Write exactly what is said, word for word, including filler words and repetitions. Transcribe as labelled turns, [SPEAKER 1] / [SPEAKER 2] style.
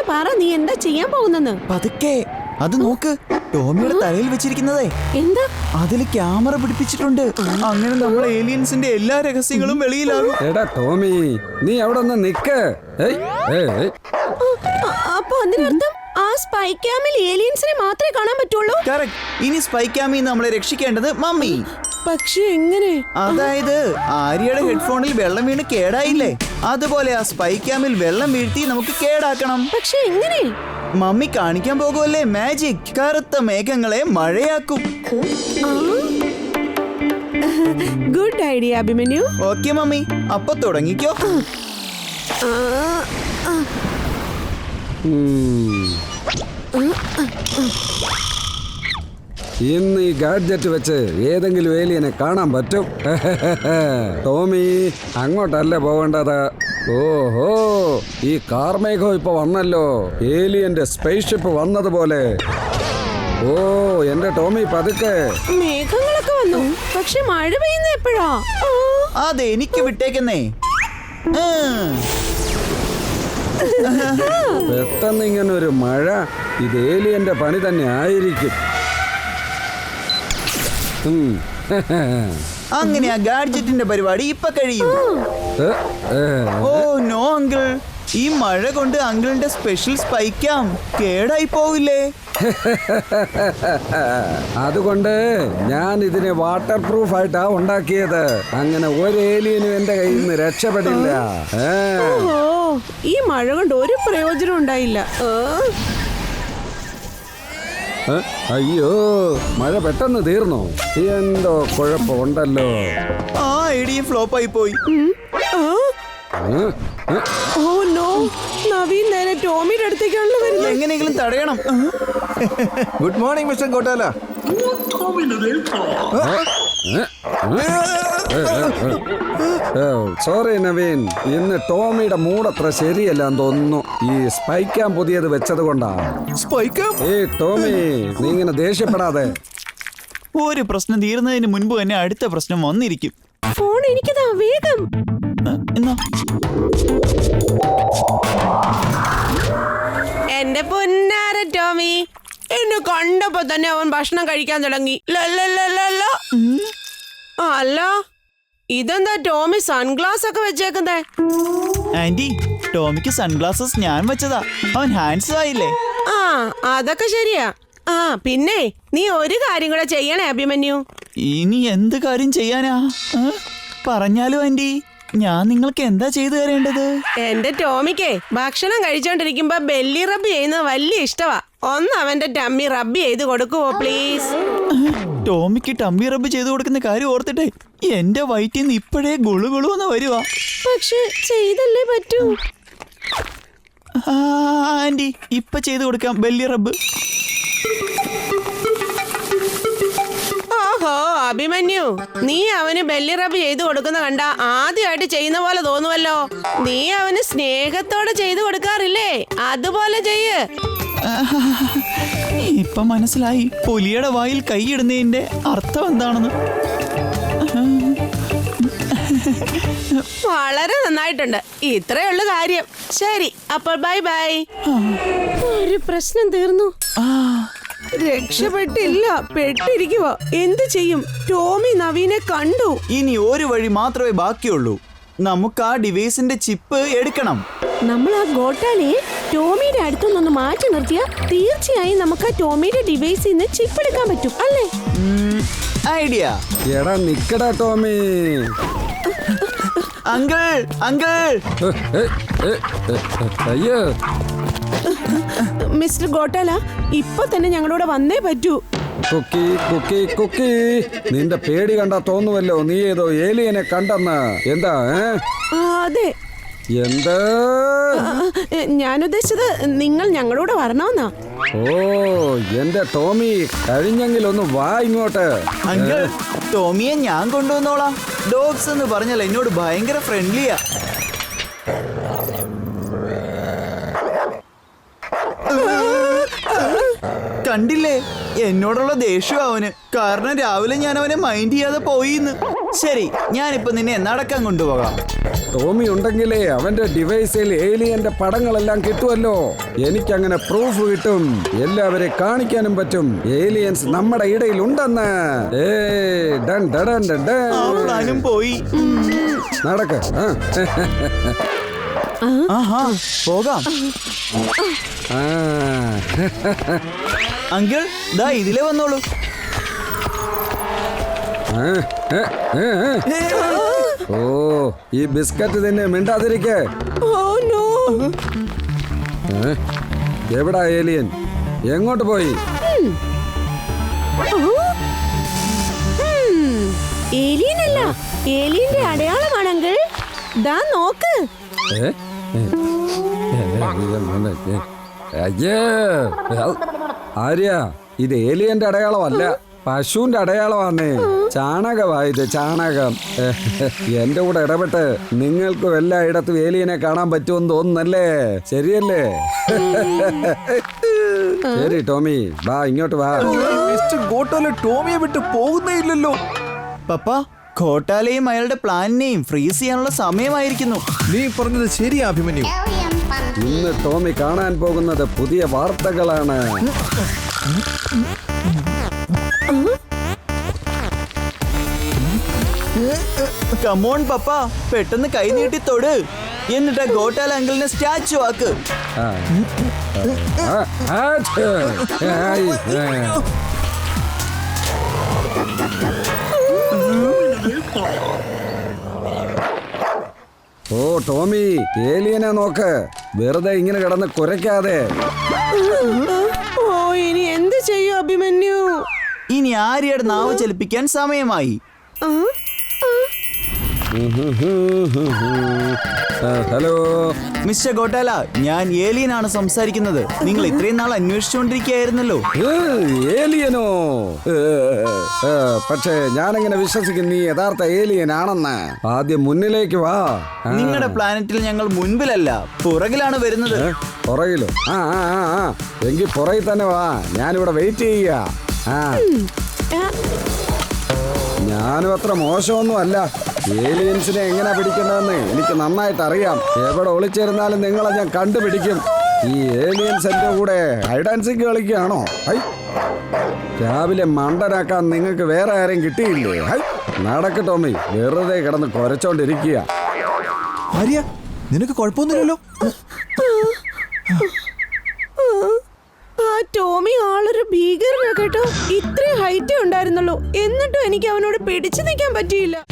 [SPEAKER 1] എന്നോട് പറ, നീ എന്താ ചെയ്യാൻ പോകുന്നെന്ന്.
[SPEAKER 2] പതുക്കെ അത് നോക്ക്, ടോമിയുടെ തലയിൽ വെച്ചിരിക്കുന്നതേ
[SPEAKER 1] എന്താ?
[SPEAKER 2] അതില് ക്യാമറ പിടിപ്പിച്ചിട്ടുണ്ട്. അങ്ങനെ നമ്മൾ ഏലിയൻസിന്റെ എല്ലാ രഹസ്യങ്ങളും വെളിയിലാകും.
[SPEAKER 3] എടാ ടോമി, നീ അവിടെ ഒന്ന് നിക്ക്.
[SPEAKER 1] അപ്പൊ അതിനർത്ഥം ആ സ്പൈ ക്യാമിൽ ഏലിയൻസിനെ മാത്രമേ കാണാൻ പറ്റുള്ളൂ.
[SPEAKER 2] കറക്റ്റ്. ഇനി സ്പൈ ക്യാമിൽ നമ്മളെ രക്ഷിക്കേണ്ടത് മമ്മി.
[SPEAKER 1] പക്ഷെ എങ്ങനെ?
[SPEAKER 2] അതായത് ആര്യയുടെ ഹെഡ്ഫോണിൽ വെള്ളം വീണ് കേടായില്ലേ, അതുപോലെ ആ സ്പൈ ക്യാമിൽ വെള്ളം വീഴ്ത്തി നമുക്ക് കേടാക്കണം.
[SPEAKER 1] പക്ഷെ എങ്ങനെ?
[SPEAKER 2] മമ്മി കാണിക്കാൻ പോകുമല്ലേ മാജിക്. കറുത്ത മേഘങ്ങളെ മഴയാക്കും.
[SPEAKER 1] Good idea Abhimanyu.
[SPEAKER 2] Okay mummy, അപ്പൊ തുടങ്ങിക്കോ.
[SPEAKER 3] ഇന്ന് ഈ ഗാഡ്ജറ്റ് വെച്ച് ഏതെങ്കിലും ഏലിയനെ കാണാൻ പറ്റും. ടോമി, അങ്ങോട്ടല്ല പോവേണ്ടത്. ഓഹോ, ഈ കാർമേഘം ഇപ്പൊ വന്നല്ലോ. ഏലിയന്റെ സ്പേസ് ഷിപ്പ് വന്നതുപോലെ. ഓ എന്റെ ടോമി, പതുക്കെ.
[SPEAKER 1] മേഘങ്ങളൊക്കെ വന്നു, പക്ഷെ മഴ പെയ്യുന്ന എപ്പോഴാ?
[SPEAKER 2] അതെ, എനിക്ക് വിട്ടേക്കുന്നേ.
[SPEAKER 3] പെട്ടെന്ന് ഇങ്ങനെ ഒരു മഴ, ഇത് ഏലിയന്റെ പണി തന്നെ ആയിരിക്കും.
[SPEAKER 2] അങ്ങനെ ആ ഗാഡ്ജറ്റിന്റെ പരിപാടി ഇപ്പൊ കഴിയും. ഓ നോ അങ്കിൾ, ഈ മഴ കൊണ്ട് അങ്കിളിന്റെ സ്പെഷ്യൽ സ്പൈക്കാം കേടായി പോവില്ലേ?
[SPEAKER 3] അതുകൊണ്ട് ഞാൻ ഇതിനെ വാട്ടർ പ്രൂഫ് ആയിട്ടാ ഉണ്ടാക്കിയത്. അങ്ങനെ ഒരു ഏലിയനും എന്റെ കയ്യിൽ നിന്ന് രക്ഷപ്പെടില്ല.
[SPEAKER 1] ഓ, ഈ മഴ കൊണ്ട് ഒരു പ്രയോജനം ഉണ്ടായില്ല.
[SPEAKER 3] അയ്യോ, മഴ പെട്ടെന്ന് തീർന്നോ? എന്തോ കുഴപ്പമുണ്ടല്ലോ.
[SPEAKER 2] ആ ഐഡിയ ഫ്ലോപ്പ് ആയി പോയി.
[SPEAKER 1] ഓ നോ, നവീൻ നേരെ ടോമിയുടെ അടുത്തേക്കാണല്ലോ വരുന്നത്.
[SPEAKER 2] എങ്ങനെയെങ്കിലും തടയണം.
[SPEAKER 4] Good morning mister Gottala.
[SPEAKER 3] Sorry Naveen, ഇന്ന് ടോമിയുടെ മൂടത്ര ശരിയല്ലാന്ന് തോന്നുന്നു. ഈ സ്പൈക്കാൻ പുതിയത് വെച്ചത് കൊണ്ടാ.
[SPEAKER 2] സ്പൈക്കാം?
[SPEAKER 3] ഏ ടോമി, നീ ഇങ്ങനെ ദേഷ്യപ്പെടാതെ.
[SPEAKER 2] ഒരു പ്രശ്നം തീർന്നതിന് മുൻപ് തന്നെ അടുത്ത പ്രശ്നം വന്നിരിക്കും.
[SPEAKER 1] ഫോൺ എനിക്കതാ, വേഗം.
[SPEAKER 2] എന്നാ
[SPEAKER 1] എന്റെ പൊന്നാര ടോമി, എന്നെ കണ്ടപ്പോ തന്നെ അവൻ ഭക്ഷണം കഴിക്കാൻ തുടങ്ങി. അല്ല, ഇതെന്താ ടോമി സൺഗ്ലാസ് ഒക്കെ വെച്ചേക്കുന്നേ?
[SPEAKER 2] ആന്റി, ടോമിക്ക് സൺഗ്ലാസസ് ഞാൻ വെച്ചതാ. അവൻ ഹാൻഡ്സം ആയില്ലേ?
[SPEAKER 1] ആ അതൊക്കെ ശരിയാ. ആ പിന്നെ നീ ഒരു കാര്യം കൂടെ ചെയ്യണേ അഭിമന്യു.
[SPEAKER 2] ഇനി എന്ത് കാര്യം ചെയ്യാനാ? പറഞ്ഞാലോ ആന്റി, ഞാൻ നിങ്ങൾക്ക് എന്താ ചെയ്തു തരേണ്ടത്?
[SPEAKER 1] എന്റെ ടോമിക്കേ ഭക്ഷണം കഴിച്ചോണ്ടിരിക്കുമ്പോ ബെല്ലി റബ്ബ് ചെയ്യുന്നത് വലിയ ഇഷ്ടവാ. ഒന്ന് അവന്റെ ടമ്മി റബ്ബ് ചെയ്ത് കൊടുക്കുവോ പ്ലീസ്?
[SPEAKER 2] ടോമിക്ക് ടമ്മി റബ്ബ് ചെയ്തു കൊടുക്കുന്ന കാര്യം ഓർത്തിട്ടെ എന്റെ വയറ്റിൽ നിന്ന് ഇപ്പോഴേ ഗുളു ഗുളുവെന്ന് വരുവാ.
[SPEAKER 1] പക്ഷെ ചെയ്തല്ലേ പറ്റൂ.
[SPEAKER 2] ആന്റി, ഇപ്പൊ ചെയ്തു കൊടുക്കാം ബെല്ലി റബ്ബ്.
[SPEAKER 1] ഓഹോ അഭിമന്യു, നീ അവന് ബെല്ലി റബ്ബ് ചെയ്തു കൊടുക്കുന്ന കണ്ട ആദ്യമായിട്ട് ചെയ്യുന്ന പോലെ തോന്നുവല്ലോ. നീ അവന് സ്നേഹത്തോടെ ചെയ്തു കൊടുക്കാറില്ലേ? അതുപോലെ ചെയ്യ്.
[SPEAKER 2] ഇപ്പൊ മനസ്സിലായി പുലിയുടെ വായിൽ കൈയിടുന്നതിന്റെ അർത്ഥം എന്താണെന്ന്.
[SPEAKER 1] വളരെ നന്നായിട്ടുണ്ട്. ഇത്രയുള്ള കാര്യം. ശരി, അപ്പോൾ ബൈ ബൈ. ഒരു പ്രശ്നം തീർന്നു. രക്ഷപ്പെട്ടില്ല, പെട്ടിരിക്കുക. എന്ത് ചെയ്യും? ടോമി നവീനെ കണ്ടു.
[SPEAKER 2] ഇനി ഒരു വഴി മാത്രമേ ബാക്കിയുള്ളൂ. നമുക്ക് ആ ഡിവൈസിന്റെ ചിപ്പ് എടുക്കണം.
[SPEAKER 1] നമ്മൾ ആ ഗോട്ടാലിയെ ടോമിയുടെ അടുത്തുനിന്ന് മാറ്റി നിർത്തിയാൽ തീർച്ചയായും നമുക്ക് ആ ടോമിയുടെ ഡിവൈസിൽ നിന്ന് ചിപ്പ് എടുക്കാൻ പറ്റും അല്ലേ?
[SPEAKER 2] ഐഡിയ.
[SPEAKER 3] എടാ നിക്കടാ ടോമി.
[SPEAKER 2] Uncle, uncle.
[SPEAKER 3] അയ്യോ
[SPEAKER 1] മിസ്റ്റർ ഗോട്ടാല, ഇപ്പൊ തന്നെ ഞങ്ങളോട് വന്നേ പറ്റൂ.
[SPEAKER 3] കുക്കി കുക്കി കുക്കി, നിന്റെ പേടി കണ്ടാ തോന്നുവല്ലോ നീ ഏതോ ഏലിയനെ കണ്ടെന്ന്. എന്താ?
[SPEAKER 1] അതെ.
[SPEAKER 3] എന്താ?
[SPEAKER 1] ഞാൻ ഉദ്ദേശിച്ചത് നിങ്ങൾ ഞങ്ങളോട് വരണമെന്നാ.
[SPEAKER 3] ഓ എന്റെ ടോമി, കഴിഞ്ഞെങ്കിൽ ഒന്ന് വാ ഇങ്ങോട്ട്.
[SPEAKER 2] അങ്കിൾ, ടോമിയെ ഞാൻ കൊണ്ടുവന്നോളാം. ഡോഗ്സ് എന്ന് പറഞ്ഞാൽ എന്നോട് ഭയങ്കര ഫ്രണ്ട്ലിയാ. കണ്ടില്ലേ, എന്നോടുള്ള ദേഷ്യം അവന്. കാരണം രാവിലെ ഞാൻ അവനെ മൈൻഡ് ചെയ്യാതെ പോയിന്ന്. ശരി, ഞാനിപ്പോ നിന്നെ നടക്കാൻ കൊണ്ടുപോകാം.
[SPEAKER 3] ടോമി ഉണ്ടെങ്കിലേ അവന്റെ ഡിവൈസിൽ ഏലിയന്റെ പടങ്ങളെല്ലാം കിട്ടുമല്ലോ. എനിക്കങ്ങനെ പ്രൂഫ് കിട്ടും, എല്ലാവരെ കാണിക്കാനും പറ്റും ഏലിയൻസ് നമ്മുടെ ഇടയിൽ ഉണ്ടെന്ന്. ഏയ്, ഡൺ ഡഡൻ ഡഡൻ.
[SPEAKER 2] അവളാനും പോയി.
[SPEAKER 3] നടക്ക്. ആ.
[SPEAKER 2] ആഹാ, പോകാം.
[SPEAKER 3] ആ.
[SPEAKER 2] അങ്കിൾ, ദാ ഇതിലേ വന്നോളൂ.
[SPEAKER 3] ആ, ഏ, ഏ, ഏ. ഓ, ഈ ബിസ്ക്കറ്റ് തന്നെ മിണ്ടാതിരിക്കേ.
[SPEAKER 1] Oh no.
[SPEAKER 3] ഏ? എവിടാ ഏലിയൻ? എങ്ങോട്ട് പോയി?
[SPEAKER 1] ഏലിയനല്ല, ഏലിയന്റെ അടയാളമാണെങ്കിൽ ദാ നോക്ക്.
[SPEAKER 3] ഏ? ഏ? അയ്യേ. ആര്യ, ഇത് ഏലിയന്റെ അടയാളമല്ല, പശുവിന്റെ അടയാളമാണേ. ചാണകമാ ഇത്, ചാണകം. എന്റെ കൂടെ ഇടപെട്ട് നിങ്ങൾക്കും എല്ലായിടത്തും ഏലിയനെ കാണാൻ പറ്റുമെന്ന് തോന്നുന്നല്ലേ? ശരിയല്ലേ? ശരി ടോമി, വാ ഇങ്ങോട്ട് വാ.
[SPEAKER 4] മിസ്റ്റർ ഗോട്ടാല ടോമിയെ വിട്ട് പോകുന്നേ ഇല്ലല്ലോ.
[SPEAKER 2] പപ്പ, ഘോട്ടാലയും അയാളുടെ പ്ലാനിനെയും ഫ്രീസ് ചെയ്യാനുള്ള സമയമായിരിക്കുന്നു.
[SPEAKER 4] നീ പറഞ്ഞത് ശരിയാ അഭിമന്യു.
[SPEAKER 3] ഇന്ന് ടോമി കാണാൻ പോകുന്നത് പുതിയ വാർത്തകളാണ്.
[SPEAKER 2] കമോൺ പപ്പ, പെട്ടെന്ന് കൈ നീട്ടി തൊട്, എന്നിട്ട് ഗോട്ടാല അങ്കിളിനെ സ്റ്റാച്ചു ആക്ക്.
[SPEAKER 3] ആ. ആ, ആച്ച്. ആയി. ആ. ഓ ടോമി, ഏലിയനെ നോക്ക്, വെറുതെ ഇങ്ങനെ കിടന്ന് കുരയ്ക്കാതെ.
[SPEAKER 1] ഓ, ഇനി എന്ത് ചെയ്യും അഭിമന്യു?
[SPEAKER 2] ഇനി ആര്യയുടെ നാവ് ചലിപ്പിക്കാൻ സമയമായി.
[SPEAKER 1] ആ, ആ.
[SPEAKER 3] ആ, ഹലോ
[SPEAKER 2] മിസ്റ്റർ ഗോട്ടാല, ഞാൻ ഏലിയനാണ് സംസാരിക്കുന്നത്. നിങ്ങൾ ഇത്രയും നാൾ അന്വേഷിച്ചുകൊണ്ടിരിക്കുകയായിരുന്നല്ലോ.
[SPEAKER 3] ഏ, ഏലിയനോ? ഏ, ഏ, പക്ഷേ ഞാനെങ്ങനെ വിശ്വസിക്കും നീ യഥാർത്ഥ ഏലിയൻ ആണെന്ന്? ആദ്യം മുന്നിലേക്ക് വാ. ആ.
[SPEAKER 2] നിങ്ങളുടെ പ്ലാനറ്റിൽ ഞങ്ങൾ മുൻപിലല്ല, പുറകിലാണ് വരുന്നത്.
[SPEAKER 3] ഏ, പുറകിലോ? ആ ആ ആ ആ എങ്കിൽ പുറകിൽ തന്നെ വാ, ഞാനിവിടെ വെയിറ്റ് ചെയ്യുക. ആ,
[SPEAKER 1] ആ,
[SPEAKER 3] ഞാനും അത്ര മോശമൊന്നും അല്ല. ഏലിയൻസിനെ എങ്ങനെ പിടിക്കേണ്ടതെന്ന് എനിക്ക് നന്നായിട്ട് അറിയാം. എവിടെ ഒളിച്ചിരുന്നാലും നിങ്ങളെ ഞാൻ കണ്ടുപിടിക്കും. ഈ ഏലിയൻസ് എന്റെ കൂടെ ഹൈഡാൻസിങ് കളിക്കുകയാണോ? ഹൈ, രാവിലെ മണ്ടനാക്കാൻ നിങ്ങൾക്ക് വേറെ ആരും കിട്ടിയില്ലേ? ഹൈ, നടക്ക് ടോമി, വെറുതെ കിടന്ന് കുരച്ചോണ്ടിരിക്കുക.
[SPEAKER 4] ആര്യ, നിനക്ക് കുഴപ്പമൊന്നുമില്ലല്ലോ.
[SPEAKER 1] ആ ടോമി ആളൊരു ഭീകരനാ കേട്ടോ. ഇത്രയും ഹൈറ്റേ ഉണ്ടായിരുന്നുള്ളൂ, എന്നിട്ടും എനിക്ക് അവനോട് പിടിച്ചു നിൽക്കാൻ പറ്റിയില്ല.